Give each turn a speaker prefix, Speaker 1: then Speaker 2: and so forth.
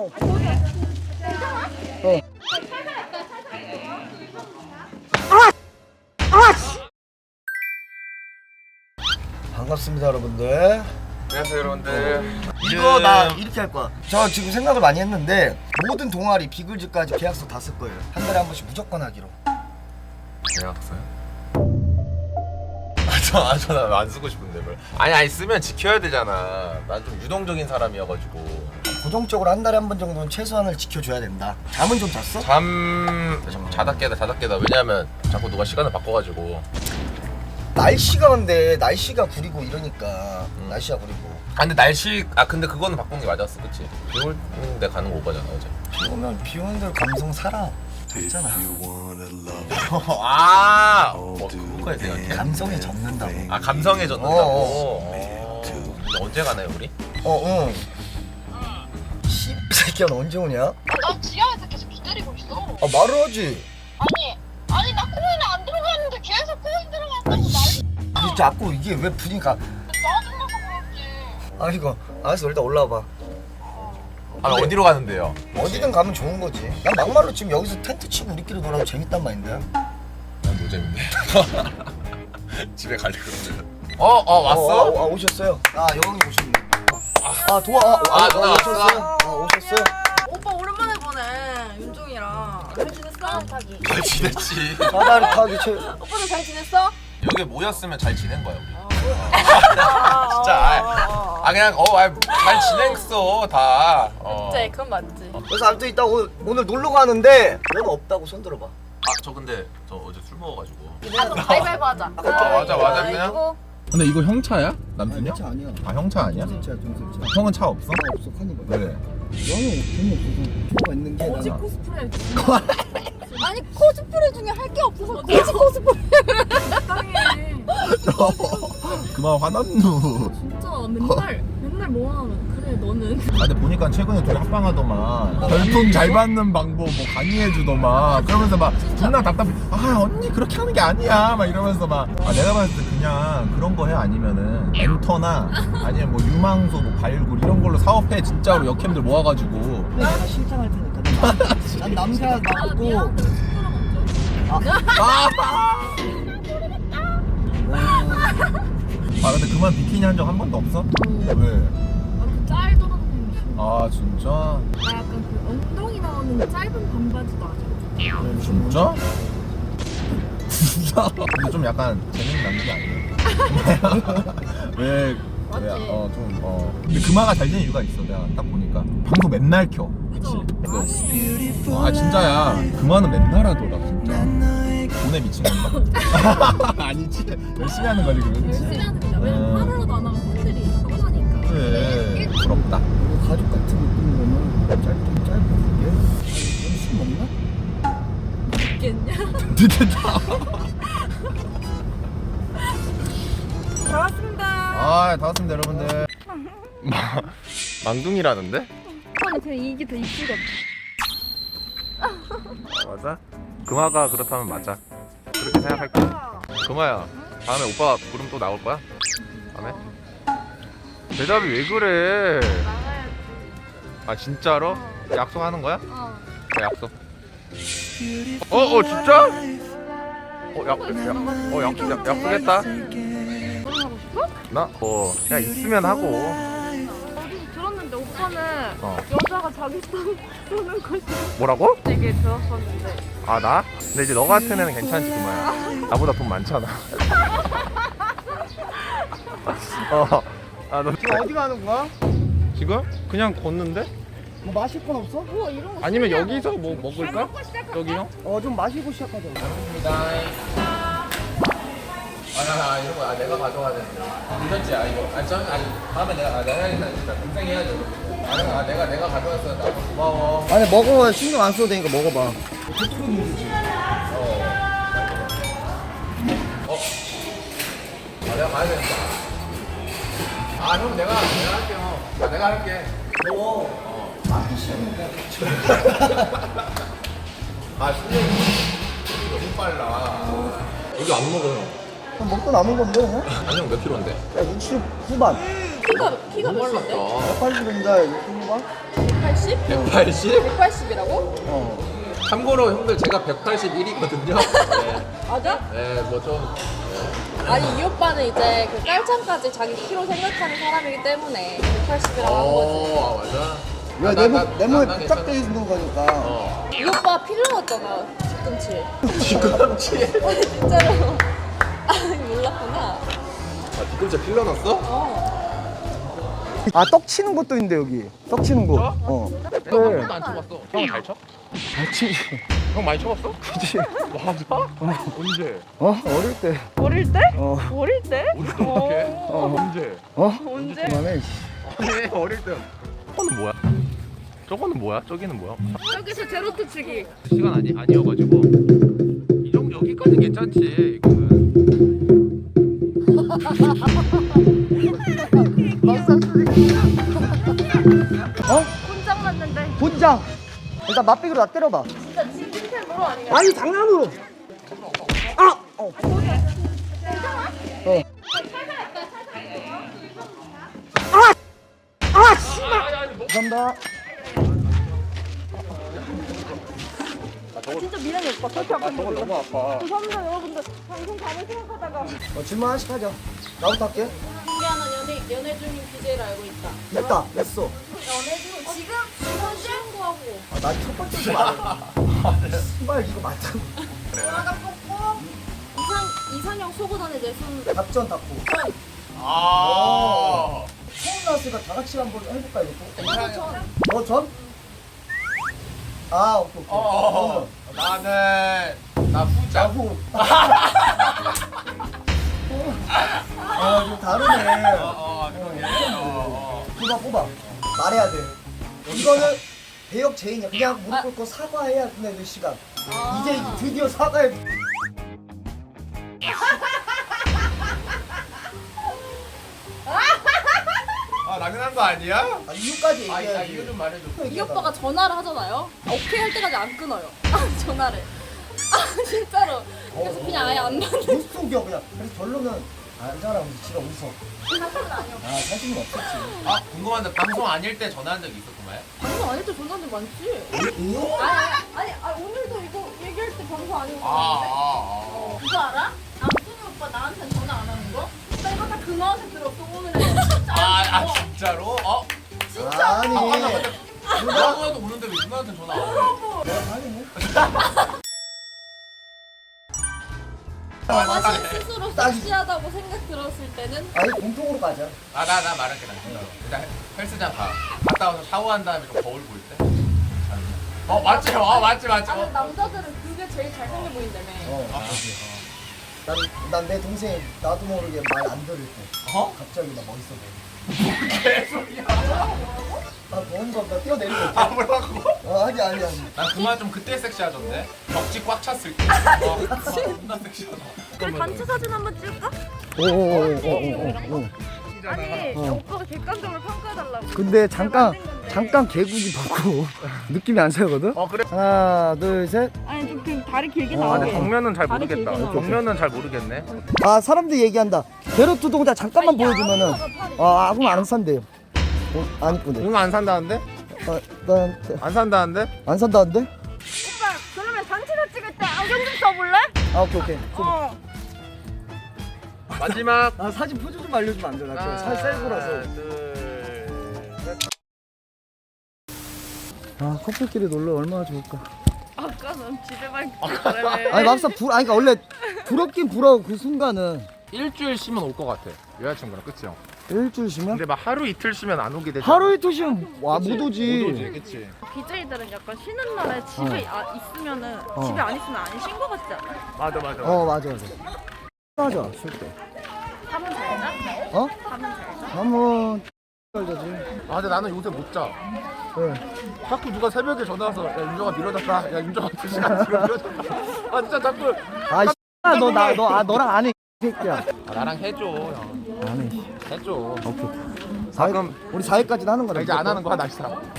Speaker 1: 반갑습니다 여러분들.
Speaker 2: 안녕하세요 여러분들.
Speaker 1: 이거 나 이렇게 할 거야. 저 지금 생각을 많이 했는데 모든 동아리 비글즈까지 계약서 다 쓸 거예요. 한 달에 한 번씩 무조건 하기로.
Speaker 2: 계약서요? 저는 안 쓰고 싶은데 뭘. 아니 쓰면 지켜야 되잖아. 난 좀 유동적인 사람이어가지고.
Speaker 1: 고정적으로 한 달에 한 번 정도는 최소한을 지켜줘야 된다. 잠은 좀 잤어?
Speaker 2: 자다 깨다. 왜냐면 자꾸 누가 시간을 바꿔가지고.
Speaker 1: 날씨가 근데 날씨가 구리고 이러니까 날씨가 구리고.
Speaker 2: 근데 그거는 바꾸는 게 맞았어, 그치? 비 올때 가는 거 오바잖아 어제.
Speaker 1: 비 오면 비 오는 대로 감성 살아. 있잖아.
Speaker 2: 그거까지 생각해.
Speaker 1: 감성에 젖는다고.
Speaker 2: 감성에 젖는다고. 근데 언제 가나요 우리?
Speaker 1: 응. 씨 새끼야 너 언제 오냐?
Speaker 3: 나 지하에서 계속 기다리고 있어.
Speaker 1: 말을 하지.
Speaker 3: 아니 나 코인에 안 들어갔는데 계속 코인 들어갔다고 난리.
Speaker 1: 자꾸 이게 왜 분위기가.
Speaker 3: 짜증나서 그런지.
Speaker 1: 이거 알았어 일단 올라와봐.
Speaker 2: 어디로 가는데요?
Speaker 1: 어디든 가면 좋은 거지. 난 막말로 지금 여기서 텐트 치고 우리끼리 놀아도 재밌단 말인데.
Speaker 2: 난 노잼인데. 집에 가려고. 왔어?
Speaker 1: 오셨어요. 여왕님 오셨네.
Speaker 2: 누나
Speaker 1: 오셨어요. 오셨어요.
Speaker 4: 오빠 오랜만에 보네 윤종이랑. 잘 지냈어?
Speaker 3: 타기.
Speaker 2: 잘 지냈지.
Speaker 1: 사다리 타기 최.
Speaker 4: 오빠도 잘 지냈어?
Speaker 2: 여기 모였으면 잘 지낸 거야 우리. 진짜 그냥 잘 지냈어 다.
Speaker 4: 맞지, 그건 맞지.
Speaker 1: 그래서 아무튼 이따 오늘 놀러 가는데 너는 없다고 손 들어봐.
Speaker 2: 저 근데 저 어제 술 먹어가지고.
Speaker 4: 가위바위보 하자.
Speaker 2: 맞아 그냥.
Speaker 5: 근데 이거 형 차야? 남준이야?
Speaker 1: 차 아니야.
Speaker 5: 형 차 아니야?
Speaker 1: 동생 차.
Speaker 5: 형은 차 없어?
Speaker 1: 없어 카니발.
Speaker 5: 왜?
Speaker 1: 너는 돈이 없어서 표가 있는 게
Speaker 4: 거지
Speaker 1: 나나.
Speaker 4: 코스프레. 아니 코스프레 중에 할 게 없어서 거지 코스프레. 땅에.
Speaker 5: 그만 화났누.
Speaker 4: 진짜 맨날 뭐 하면 그래 너는.
Speaker 5: 근데 보니까 최근에 둘이 합방하더만 별풍 잘 받는 방법 뭐 강의해주더만. 그러면서 막 존나 답답해. 언니 그렇게 하는 게 아니야 막 이러면서 막 내가 봤을 때 그냥 그런 거 해. 아니면은 엔터나 아니면 뭐 유망소 뭐 발굴 이런 걸로 사업해. 진짜로 역캠들 모아가지고.
Speaker 1: 내가 실장할 테니까. 난 남자 나오고.
Speaker 5: 근데 그만 비키니 한 적 한 번도 없어? 왜?
Speaker 4: 그 짤 돌아다니는 거.
Speaker 5: 진짜?
Speaker 4: 나 약간 그 엉덩이 나오는 짧은 반바지도 아직.
Speaker 5: 진짜? 진짜? 근데 좀 약간 재능 남는 게 아니야? 왜?
Speaker 4: 맞지?
Speaker 5: 근데 금화가 잘 되는 이유가 있어. 내가 딱 보니까 방송 맨날 켜. 그치? 그래서 진짜야. 금화는 맨날 하더라 진짜. 돈에 미친 건가? 아니지. 열심히 하는 거지 그건.
Speaker 4: 열심히 하는 거야. 왜냐면 하루라도 안 하면 팬들이 서운하니까.
Speaker 5: 그래. 부럽다.
Speaker 1: 이거 가죽 같은 느낌인 거는 짧은 게. 너는 술 먹나?
Speaker 4: 있겠냐?
Speaker 5: 됐다.
Speaker 4: 잘 왔습니다.
Speaker 5: 다 왔습니다 여러분들.
Speaker 2: 망둥이라는데?
Speaker 4: 아니 그냥 이게 더 이쁘거든.
Speaker 2: 맞아? 금화가 그렇다면 맞아. 그렇게 생각할게. 금화야, 다음에 오빠 부름 또 나올 거야? 다음에? 대답이 왜 그래?
Speaker 4: 나가야지.
Speaker 2: 진짜로? 약속하는 거야? 그래, 약속. 진짜? 약속했다.
Speaker 4: 너랑 하고 싶어?
Speaker 2: 나? 그냥 있으면 하고.
Speaker 4: 어디서 들었는데 오빠는 여자가 자기 돈 쓰는 걸
Speaker 2: 뭐라고?
Speaker 4: 되게 들었었는데.
Speaker 2: 나? 근데 이제 너 같은 애는 괜찮지, 금화야. 나보다 돈 많잖아. 너
Speaker 1: 지금 어디 가는 거야?
Speaker 2: 지금? 그냥 걷는데?
Speaker 1: 뭐 마실 건 없어?
Speaker 4: 우와 이런 거.
Speaker 2: 아니면 여기서 뭐 먹을까? 여기 형?
Speaker 1: 좀 마시고 시작하자.
Speaker 2: 이런 거 내가 가져가야 되는데. 괜찮지? 이거. 다음에 내가 해야겠다. 진짜 동생이 해야죠. 내가 가져왔어. 나 고마워.
Speaker 1: 아니 먹어. 신경 안 써도 되니까 먹어봐.
Speaker 2: 내가 가야 되니까. 형 내가 할게요. 내가 할게.
Speaker 1: 마기 시작인데.
Speaker 2: 실력이 너무 빨라. 여기 안 먹어 형.
Speaker 1: 먹다 남은 건데.
Speaker 2: 아니 형 몇 킬로인데?
Speaker 1: 60 후반.
Speaker 4: 키가 몇인데?
Speaker 1: 180인데 이거 봐.
Speaker 4: 180?
Speaker 2: 180?
Speaker 4: 180이라고?
Speaker 1: 어.
Speaker 2: 참고로 형들 제가 181이거든요.
Speaker 4: 맞아?
Speaker 2: 네, 뭐 좀.
Speaker 4: 아니 이 오빠는 이제 그 깔창까지 자기 키로 생각하는 사람이기 때문에 180이라고 한 거지.
Speaker 2: 아, 맞아.
Speaker 1: 이거 내 몸에
Speaker 2: 난
Speaker 1: 부착돼 있는 거니까.
Speaker 2: 어.
Speaker 4: 이 오빠 필러 났잖아 뒤꿈치.
Speaker 2: 뒤꿈치.
Speaker 4: 진짜로. 아 몰랐구나.
Speaker 2: 아, 뒤꿈치 필러 났어?
Speaker 4: 어.
Speaker 1: 아, 떡 치는 것도 있는데 여기. 떡 치는 거.
Speaker 2: 저?
Speaker 1: 어.
Speaker 2: 내가 한 번도 안 쳐봤어. 형 잘 쳐?
Speaker 1: 잘 치지.
Speaker 2: 형 많이 쳐봤어?
Speaker 1: 그치.
Speaker 2: 맞아? 언제?
Speaker 1: 어? 어릴 때.
Speaker 4: 어릴 때?
Speaker 1: 어.
Speaker 4: 어릴 때?
Speaker 2: 어릴 때 어떻게?
Speaker 1: 어.
Speaker 2: 언제?
Speaker 1: 어?
Speaker 4: 언제?
Speaker 1: 그만해.
Speaker 2: 아니 어릴 때. 저거는 뭐야? 저거는 뭐야? 저기는 뭐야?
Speaker 4: 여기서 제로트 치기.
Speaker 2: 시간 아니어가지고 이 정도 여기까지 괜찮지. 이거는.
Speaker 1: 어?
Speaker 4: 혼장 맞는데.
Speaker 1: 본장. 일단 맛비기로 나 때려봐.
Speaker 4: 진짜 진심으로 아니야?
Speaker 1: 아니 장난으로. 아! 어. 어. 아! 아! 씨발! 감사합니다.
Speaker 4: 진짜 미련이 오빠 그렇게 아픈 거
Speaker 2: 너무 아파.
Speaker 4: 죄송합니다 여러분들 방송 가면 생각하다가
Speaker 1: 질문 하나씩 하자. 나부터 할게.
Speaker 4: 신기하는 연애 중인 BJ를 알고 있다.
Speaker 1: 됐다. 됐어.
Speaker 4: 연애 중 지금 쉬운 거 하고
Speaker 1: 아, 나 첫 번째 거 말해. 씨발 이거 맞다고.
Speaker 4: 돌아가 뽑고 이상형 속옷 안에 내손
Speaker 1: 답전 닫고.
Speaker 2: 아.
Speaker 1: 처음 나왔으니까 다 같이 한번 해볼까 이거?
Speaker 4: 전
Speaker 1: 전? 아, 오케이, 오케이.
Speaker 2: 나는 나 후자.
Speaker 1: 나후. 좀 다르네. 뽑아. 말해야 돼. 이거는 배역 제인이야. 그냥 무릎 꿇고 사과해야 끝내는 시간. 이제 드디어 사과해.
Speaker 2: 아 당연한 거 아니야?
Speaker 1: 아, 이유까지
Speaker 2: 아
Speaker 1: 얘기해야지.
Speaker 2: 이거 좀 말해줘.
Speaker 4: 이 오빠가 전화를 하잖아요. 오케이 할 때까지 안 끊어요. 전화를. 아 진짜로. 그래서 그냥 아예 안 받는.
Speaker 1: 못 속여 그냥. 그래서 결론은 알잖아. 우리 집에 웃어. 아, 사실은 없었지.
Speaker 6: 아 궁금한데 방송 아닐 때 전화한 적이 있었구만.
Speaker 4: 방송 아닐 때 전화한 적 많지. 아니 오늘도 이거 얘기할 때 방송 아니고. 그거 알아? 남순이 오빠 나한테 전화 안 하는 거? 나 이거 다 근황에서 들었어 오늘은.
Speaker 6: 진짜로? 어?
Speaker 1: 아니.
Speaker 6: 누나도 오는데 왜 누나한테 전화 안 해?
Speaker 1: 내가 당했네.
Speaker 4: 자신 스스로
Speaker 1: 따지.
Speaker 4: 섹시하다고 생각 들었을 때는
Speaker 1: 아니, 공통으로 가자.
Speaker 6: 나 말할게 나 진짜로. 일단 헬스장 갔다 와서 샤워한 다음에 좀 거울 볼 때. 맞지? 맞지.
Speaker 4: 남자들은 그게 제일 잘생겨 보인다며.
Speaker 1: 난 내 동생 나도 모르게 말 안 들을 때.
Speaker 6: 어?
Speaker 1: 갑자기 나 멋있어 보여.
Speaker 6: 개소리야.
Speaker 1: 나 뭔가 나 뛰어내리고 있어.
Speaker 6: 뭐라고?
Speaker 1: 아니.
Speaker 6: 난 그만 좀 그때 섹시하던데. 벽지 꽉 찼을 때. 존나 섹시하다.
Speaker 4: 우리 단체 사진 한번 찍을까?
Speaker 1: 오.
Speaker 4: 아니 오빠가 객관적으로 평가해달라고.
Speaker 1: 근데 잠깐 개구리 보고 느낌이 안 살거든?
Speaker 2: 그래.
Speaker 1: 하나, 둘, 셋.
Speaker 4: 아니 좀 그냥 다리 길게
Speaker 1: 아,
Speaker 4: 나와.
Speaker 1: 근데
Speaker 2: 정면은 잘
Speaker 4: 다리
Speaker 2: 모르겠다.
Speaker 4: 길게 나와.
Speaker 2: 정면은 잘 모르겠네.
Speaker 1: 아, 사람들 얘기한다. 게르트 동자 잠깐만 보여주면은 아무 안 산대요. 안 이쁘네.
Speaker 2: 이거 안 산다는데?
Speaker 1: 나한테
Speaker 2: 안 산다는데?
Speaker 1: 안 산다는데?
Speaker 4: 오빠 그러면 단체사 찍을 때 안경 좀 써볼래?
Speaker 1: 아, 오케이.
Speaker 2: 마지막.
Speaker 1: 아, 사진 표정 좀 알려주면 안 되나?
Speaker 2: 하나,
Speaker 1: 살 셀프라서.
Speaker 2: 둘, 셋.
Speaker 1: 아, 커플끼리 놀러 얼마나 좋을까?
Speaker 4: 아까는 집에만 있었는데.
Speaker 1: 아니, 막상 아니 그러니까 원래 부럽긴 부러워 그 순간은.
Speaker 2: 일주일 쉬면 올 것 같아. 여자친구랑 그치 형?
Speaker 1: 일주일 쉬면?
Speaker 2: 근데 막 하루 이틀 쉬면 안 오게 되지.
Speaker 1: 하루 이틀 쉬면 못 오지.
Speaker 2: 못 오지, 그치?
Speaker 4: BJ들은 약간 쉬는 날에 집에 있으면은 집에 안 있으면 안 쉰 거 같지 않아?
Speaker 2: 맞아.
Speaker 1: 맞아. 쉴 때.
Speaker 4: 잠은 잘 자?
Speaker 1: 어?
Speaker 4: 잠은 잘 자?
Speaker 1: 잠은 잘 자지.
Speaker 2: 아 근데 나는 요새 못 자.
Speaker 1: 네.
Speaker 2: 자꾸 누가 새벽에 전화 와서 야 윤정아 밀어달라. 야 윤정아 2시간 뒤로 밀어달라. 아 진짜 자꾸.
Speaker 1: 아, 너랑 안 해. 이 새끼야.
Speaker 2: 나랑 해줘 형.
Speaker 1: 안 해.
Speaker 2: 해줘.
Speaker 1: 오케이.
Speaker 2: 가끔
Speaker 1: 우리 4회까지는 하는 거다.
Speaker 2: 이제 안 하는 거야 나 진짜.